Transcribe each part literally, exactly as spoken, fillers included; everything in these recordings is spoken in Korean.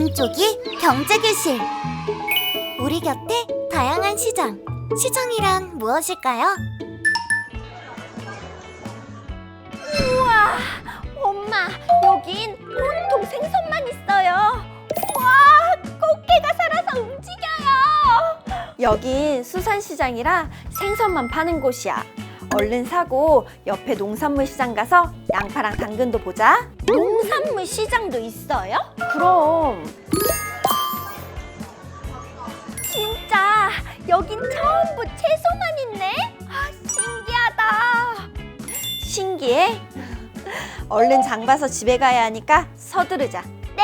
오른쪽이 경제교실. 우리 곁에 다양한 시장. 시장이란 무엇일까요? 우와, 엄마, 여긴 온통 생선만 있어요. 와, 꽃게가 살아서 움직여요. 여긴 수산시장이라 생선만 파는 곳이야. 얼른 사고 옆에 농산물 시장 가서 양파랑 당근도 보자. 농산물 시장도 있어요? 그럼. 진짜 여긴 전부 채소만 있네? 아, 신기하다. 신기해? 얼른 장 봐서 집에 가야 하니까 서두르자. 네.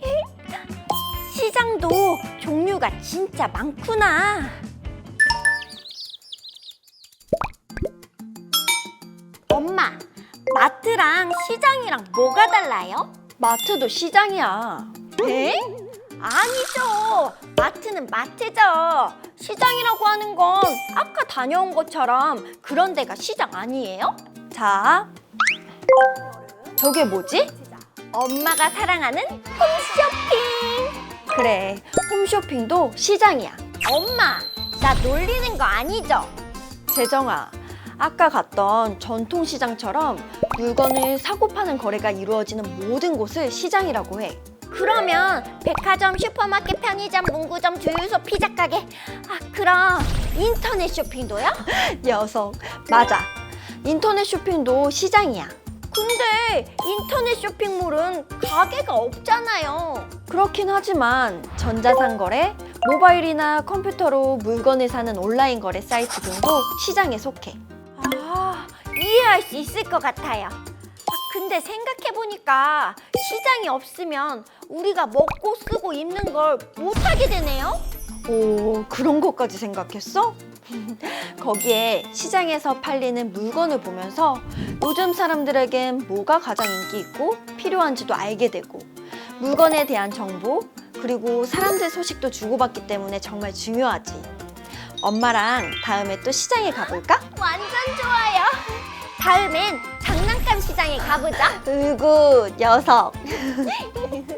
시장도 종류가 진짜 많구나. 엄마, 마트랑 시장이랑 뭐가 달라요? 마트도 시장이야. 에? 아니죠. 마트는 마트죠. 시장이라고 하는 건 아까 다녀온 것처럼 그런 데가 시장 아니에요? 자, 저게 뭐지? 엄마가 사랑하는 홈쇼핑. 그래, 홈쇼핑도 시장이야. 엄마, 나 놀리는 거 아니죠? 재정아, 아까 갔던 전통시장처럼 물건을 사고 파는 거래가 이루어지는 모든 곳을 시장이라고 해. 그러면 백화점, 슈퍼마켓, 편의점, 문구점, 주유소, 피자가게, 아 그럼 인터넷 쇼핑도요? 녀석, 맞아. 인터넷 쇼핑도 시장이야. 근데 인터넷 쇼핑몰은 가게가 없잖아요. 그렇긴 하지만 전자상거래, 모바일이나 컴퓨터로 물건을 사는 온라인 거래 사이트 등도 시장에 속해. 아, 이해할 수 있을 것 같아요. 아, 근데 생각해보니까 시장이 없으면 우리가 먹고 쓰고 입는 걸 못하게 되네요? 오, 그런 것까지 생각했어? 거기에 시장에서 팔리는 물건을 보면서 요즘 사람들에겐 뭐가 가장 인기 있고 필요한지도 알게 되고 물건에 대한 정보 그리고 사람들 소식도 주고받기 때문에 정말 중요하지. 엄마랑 다음에 또 시장에 가볼까? 완전 좋아요. 다음엔 장난감 시장에 가보자. 으구, 녀석.